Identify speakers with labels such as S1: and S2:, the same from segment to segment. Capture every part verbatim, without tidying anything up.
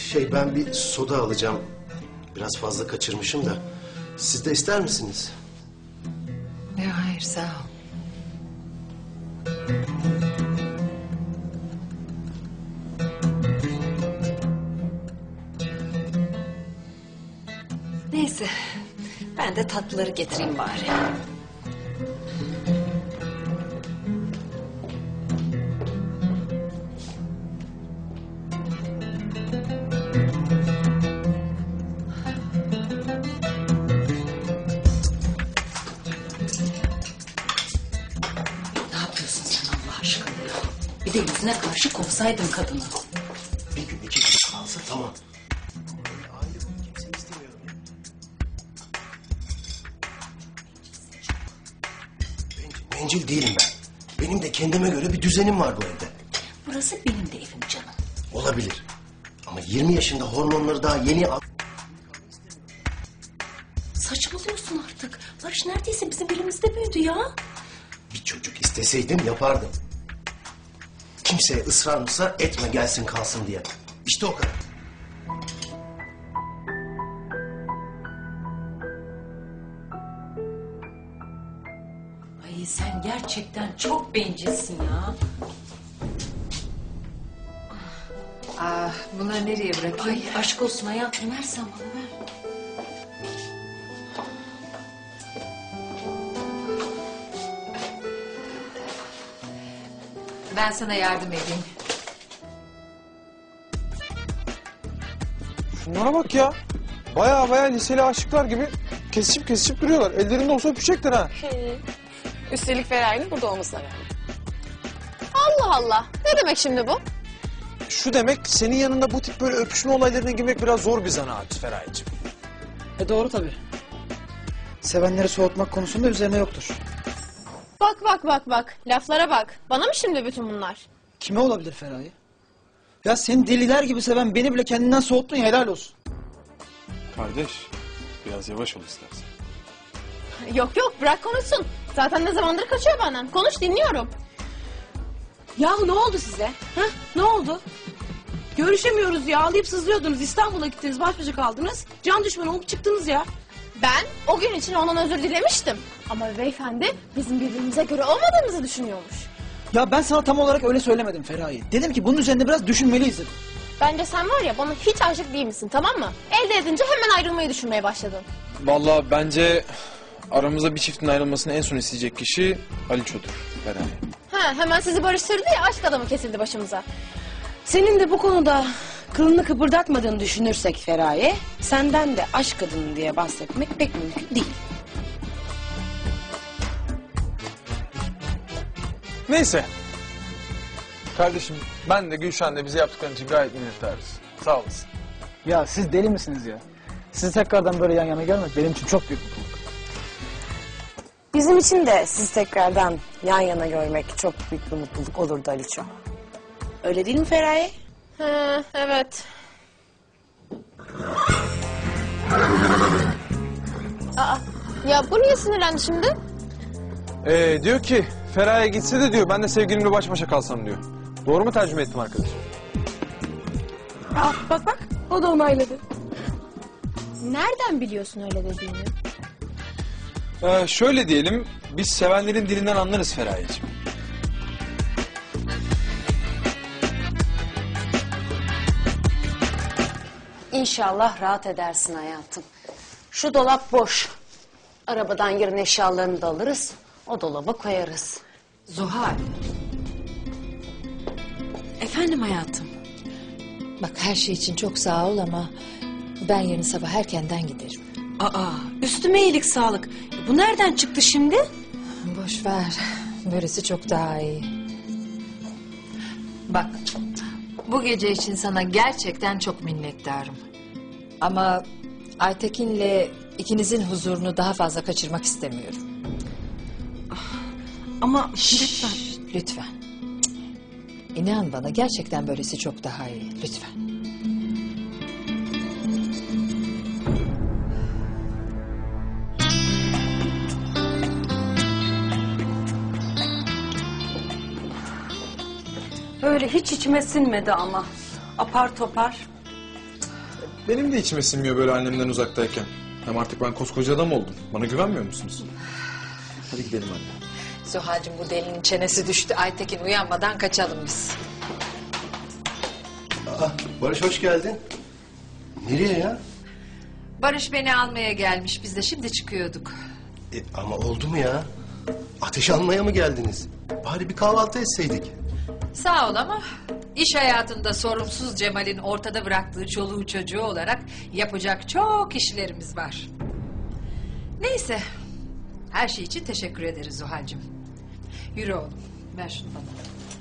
S1: Şey, ben bir soda alacağım. Biraz fazla kaçırmışım da. Siz de ister misiniz?
S2: Yok, hayır, sağ ol. Neyse, ben de tatlıları getireyim bari. Ne yapıyorsun sen Allah aşkına ya? Bir de yüzüne karşı kovsaydın kadını.
S1: Bir gün iki gün kalsa tamam. Böyle aile boyu kimseyi istemiyorum ya. Bencil, bencil değilim ben. Benim de kendime göre bir düzenim var bu evde.
S2: Burası benim de evim canım.
S1: Olabilir. Ama yirmi yaşında hormonları daha yeni al...
S2: Saçmalıyorsun artık. Barış neredeyse bizim elimizde büyüdü ya.
S1: Bir çocuk isteseydim yapardım. Kimseye ısrar mısrar etme gelsin kalsın diye. İşte o kadar.
S2: Ay sen gerçekten çok bencilsin ya.
S3: Ah, bunları nereye bırakayım?
S2: Ay aşk olsun hayatım, versen bana ver.
S3: Ben sana yardım edeyim.
S4: Şunlara bak ya. Baya baya liseli aşıklar gibi kesişip kesişip duruyorlar. Ellerinde olsa öpüşecekler ha.
S5: Üstelik Feraye'nin burada olmasına rağmen. Allah Allah. Ne demek şimdi bu?
S4: Şu demek, senin yanında bu tip böyle öpüşme olaylarına girmek biraz zor bir zanaat Feraye'cim.
S6: E doğru tabii. Sevenleri soğutmak konusunda üzerine yoktur.
S5: Bak bak bak bak. Laflara bak. Bana mı şimdi bütün bunlar?
S6: Kime olabilir Feraye? Ya seni deliler gibi seven beni bile kendinden soğuttun ya, helal olsun.
S4: Kardeş, biraz yavaş ol istersen.
S5: Yok yok, bırak konuşsun. Zaten ne zamandır kaçıyor benden. Konuş, dinliyorum.
S7: Yahu ne oldu size? Ha? Ne oldu? Görüşemiyoruz ya. Ağlayıp sızlıyordunuz. İstanbul'a gittiniz. Baş başa kaldınız. Can düşmanı olup çıktınız ya.
S5: Ben o gün için ondan özür dilemiştim. Ama beyefendi bizim birbirimize göre olmadığımızı düşünüyormuş.
S6: Ya ben sana tam olarak öyle söylemedim Feraye. Dedim ki bunun üzerinde biraz düşünmeliyiz dedim.
S5: Bence sen var ya bana hiç aşık değil misin, tamam mı? Elde edince hemen ayrılmayı düşünmeye başladın.
S4: Vallahi bence aramızda bir çiftin ayrılmasını en son isteyecek kişi Aliço'dur Feraye.
S5: Ha, hemen sizi barıştırdı ya, aşk adamı kesildi başımıza.
S7: Senin de bu konuda kılını kıpırdatmadığını düşünürsek Feraye, senden de aşk kadını diye bahsetmek pek mümkün değil.
S4: Neyse. Kardeşim, ben de Gülşen de bize yaptıkların için gayet minnettarız. Sağ olasın.
S6: Ya siz deli misiniz ya? Sizi tekrardan böyle yan yana görmek benim için çok büyük mutluluk.
S7: Bizim için de sizi tekrardan yan yana görmek çok büyük bir mutluluk olurdu Aliço. Öyle değil mi Feraye?
S5: Ha, evet. Aa, ya bu niye sinirlendi şimdi?
S4: Ee, diyor ki Feraye gitse de diyor ben de sevgilimle baş başa kalsam diyor. Doğru mu tercüme ettim arkadaşım?
S7: Aa, bak bak, o da onayladı.
S5: Nereden biliyorsun öyle dediğini?
S4: Ee, şöyle diyelim, biz sevenlerin dilinden anlarız Feraye'ciğim.
S2: İnşallah rahat edersin hayatım. Şu dolap boş. Arabadan yarın eşyalarını da alırız. O dolaba koyarız.
S3: Zuhal.
S2: Efendim hayatım.
S8: Bak her şey için çok sağ ol ama ben yarın sabah erkenden giderim.
S3: Aa, üstüme iyilik sağlık. Bu nereden çıktı şimdi?
S8: Boş ver. Böylesi çok daha iyi. Bak, bu gece için sana gerçekten çok minnettarım. Ama Aytekin'le ikinizin huzurunu daha fazla kaçırmak istemiyorum.
S3: Ama
S8: Şşş,
S3: lütfen.
S8: lütfen. Cık. İnan bana gerçekten böylesi çok daha iyi. Lütfen.
S7: Öyle hiç içime sinmedi ama. Apar topar.
S4: Benim de içime sinmiyor böyle annemden uzaktayken. Hem artık ben koskoca adam oldum. Bana güvenmiyor musunuz? Hadi gidelim anne.
S8: Zuhal'cığım bu delinin çenesi düştü. Aytekin uyanmadan kaçalım biz.
S1: Aa, Barış hoş geldin. Nereye ya?
S8: Barış beni almaya gelmiş. Biz de şimdi çıkıyorduk.
S1: E, ama oldu mu ya? Ateş almaya mı geldiniz? Bari bir kahvaltı etseydik.
S8: Sağ ol ama iş hayatında sorumsuz Cemal'in ortada bıraktığı çoluğu çocuğu olarak yapacak çok işlerimiz var. Neyse. Her şey için teşekkür ederiz Zuhal'cığım. Yürü oğlum. Ver şunu bana.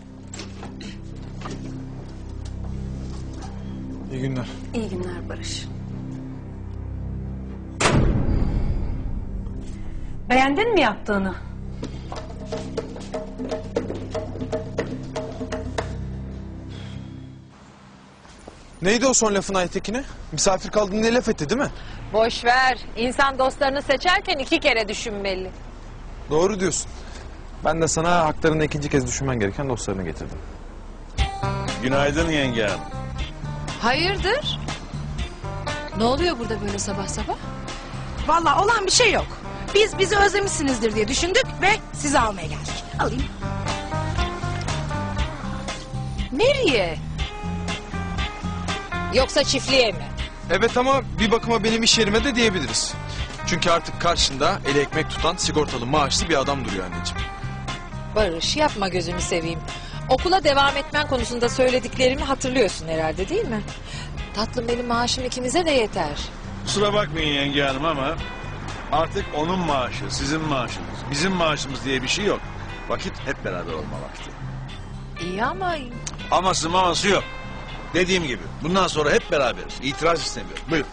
S4: İyi günler.
S2: İyi günler Barış.
S3: Beğendin mi yaptığını?
S4: Neydi o son lafın Aytekin'e? Misafir kaldın diye laf etti değil mi?
S8: Boş ver. İnsan dostlarını seçerken iki kere düşünmeli.
S4: Doğru diyorsun. Ben de sana haklarında ikinci kez düşünmen gereken dostlarını getirdim.
S9: Günaydın yenge hanım.
S8: Hayırdır? Ne oluyor burada böyle sabah sabah?
S7: Vallahi olan bir şey yok. Biz bizi özlemişsinizdir diye düşündük ve sizi almaya geldik. Alayım.
S8: Nereye? Yoksa çiftliğe mi?
S4: Evet ama bir bakıma benim iş yerime de diyebiliriz. Çünkü artık karşında eli ekmek tutan sigortalı maaşlı bir adam duruyor anneciğim.
S8: Barış yapma gözünü seveyim. Okula devam etmen konusunda söylediklerimi hatırlıyorsun herhalde değil mi? Tatlım benim maaşım ikimize de yeter.
S9: Kusura bakmayın yenge hanım ama artık onun maaşı, sizin maaşınız, bizim maaşımız diye bir şey yok. Vakit hep beraber olma vakti.
S8: İyi ama
S9: Aması maması yok. Dediğim gibi bundan sonra hep beraberiz. İtiraz istemiyorum. Buyurun.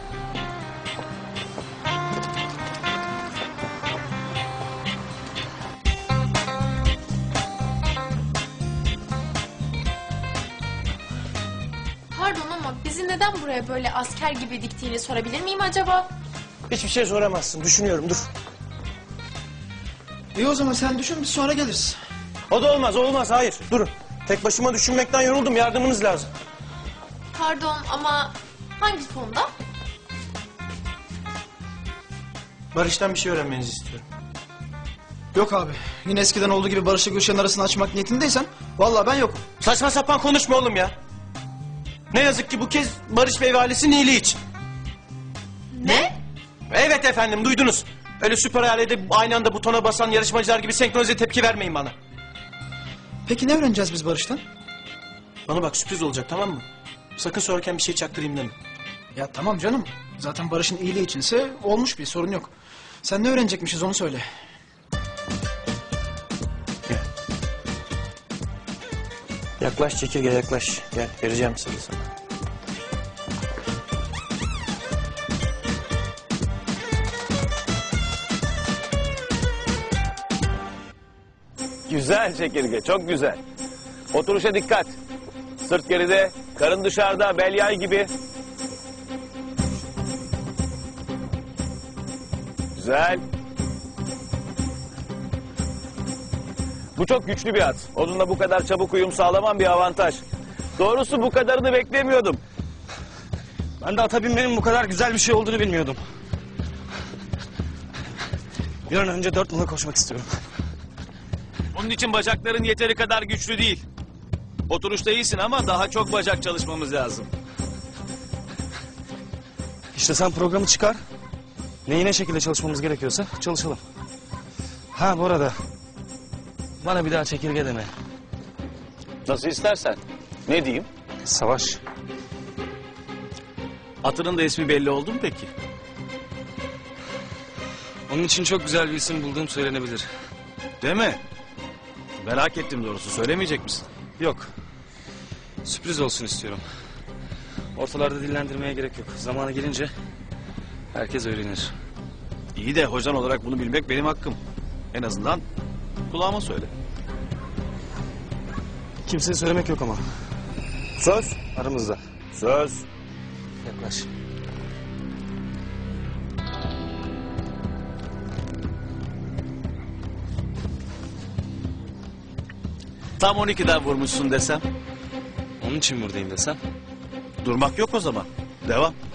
S5: Pardon ama bizi neden buraya böyle asker gibi diktiğini sorabilir miyim acaba?
S1: Hiçbir şey soramazsın. Düşünüyorum dur.
S6: İyi o zaman sen düşün biz sonra geliriz.
S1: O da olmaz, olmaz. Hayır. Durun. Tek başıma düşünmekten yoruldum. Yardımınız lazım.
S5: Pardon ama hangi fonda?
S1: Barış'tan bir şey öğrenmenizi istiyorum.
S6: Yok abi. Yine eskiden olduğu gibi Barış'la Gülşen'in arasını açmak niyetindeysen vallahi ben yokum.
S1: Saçma sapan konuşma oğlum ya. Ne yazık ki bu kez Barış Bey ve ailesinin iyiliği için.
S5: Ne?
S1: Evet efendim duydunuz. Öyle süper ailede aynı anda butona basan yarışmacılar gibi senkronize tepki vermeyin bana.
S6: Peki ne öğreneceğiz biz Barış'tan?
S1: Bana bak sürpriz olacak tamam mı? Sakın sorarken bir şey çaktırayım deme.
S6: Ya tamam canım. Zaten Barış'ın iyiliği içinse olmuş bir sorun yok. Sen ne öğrenecekmişiz onu söyle.
S1: Yaklaş çekirge yaklaş. Gel vereceğim seni sana.
S10: Güzel çekirge, çok güzel. Oturuşa dikkat. Sırt geride, karın dışarıda, bel yay gibi. Güzel. Bu çok güçlü bir at. Onunla bu kadar çabuk uyum sağlamam bir avantaj. Doğrusu bu kadarını beklemiyordum.
S11: Ben de ata binmenin bu kadar güzel bir şey olduğunu bilmiyordum. Bir an önce dört nala koşmak istiyorum.
S10: Onun için bacakların yeteri kadar güçlü değil. Oturuşta iyisin ama daha çok bacak çalışmamız lazım.
S11: İşte sen programı çıkar. Neyine şekilde çalışmamız gerekiyorsa çalışalım. Ha bu arada bana bir daha çekirge deme.
S10: Nasıl istersen. Ne diyeyim?
S11: Savaş.
S10: Atının da ismi belli oldu mu peki?
S11: Onun için çok güzel bir isim bulduğum söylenebilir.
S10: Değil mi? Merak ettim doğrusu. Söylemeyecek misin?
S11: Yok. Sürpriz olsun istiyorum. Ortalarda dillendirmeye gerek yok. Zamanı gelince herkes öğrenir.
S10: İyi de hocan olarak bunu bilmek benim hakkım. En azından kulağıma söyle.
S11: Kimseye söylemek yok ama.
S10: Söz.
S11: Aramızda.
S10: Söz.
S11: Yaklaş.
S10: Tam on ikiden vurmuşsun desem.
S11: Onun için buradayım desem.
S10: Durmak yok o zaman.
S9: Devam.